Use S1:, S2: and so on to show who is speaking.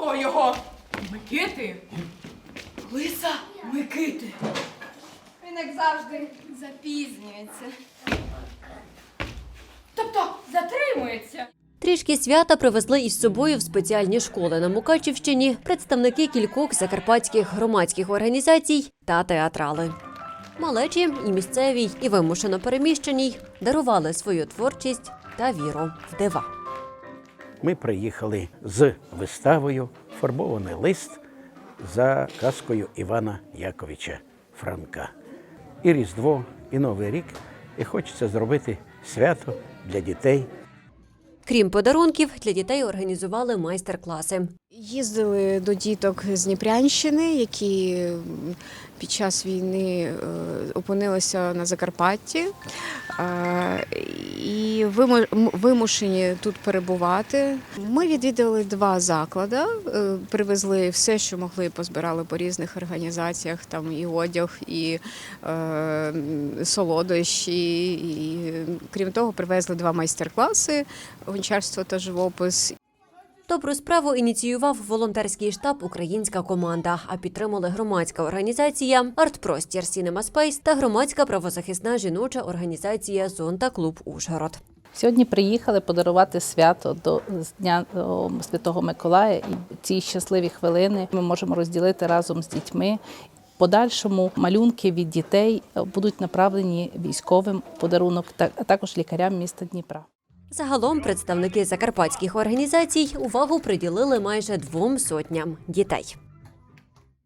S1: Кого його? Микити? Лиса Микити.
S2: Він, як завжди, запізнюється.
S1: Тобто затримується.
S3: Трішки свята привезли із собою в спеціальні школи на Мукачівщині представники кількох закарпатських громадських організацій та театрали. Малечі і місцевій, і вимушено переміщеній дарували свою творчість та віру в дива.
S4: Ми приїхали з виставою «Фарбований лист» за казкою Івана Яковича Франка. І Різдво, і Новий рік, і хочеться зробити свято для дітей.
S3: Крім подарунків, для дітей організували майстер-класи.
S5: Їздили до діток з Дніпрянщини, які під час війни опинилися на Закарпатті і вимушені тут перебувати. Ми відвідали 2 заклади, привезли все, що могли, позбирали по різних організаціях, там і одяг, і солодощі. І, крім того, привезли 2 майстер-класи гончарство та живопис.
S3: Добру справу ініціював волонтерський штаб «Українська команда», а підтримали громадська організація «Артпростір Сінема Спейс» та громадська правозахисна жіноча організація «Зонта Клуб Ужгород».
S6: Сьогодні приїхали подарувати свято до Дня Святого Миколая. І ці щасливі хвилини ми можемо розділити разом з дітьми. В подальшому малюнки від дітей будуть направлені військовим подарунок, а також лікарям міста Дніпра.
S3: Загалом представники закарпатських організацій увагу приділили майже 200 дітей.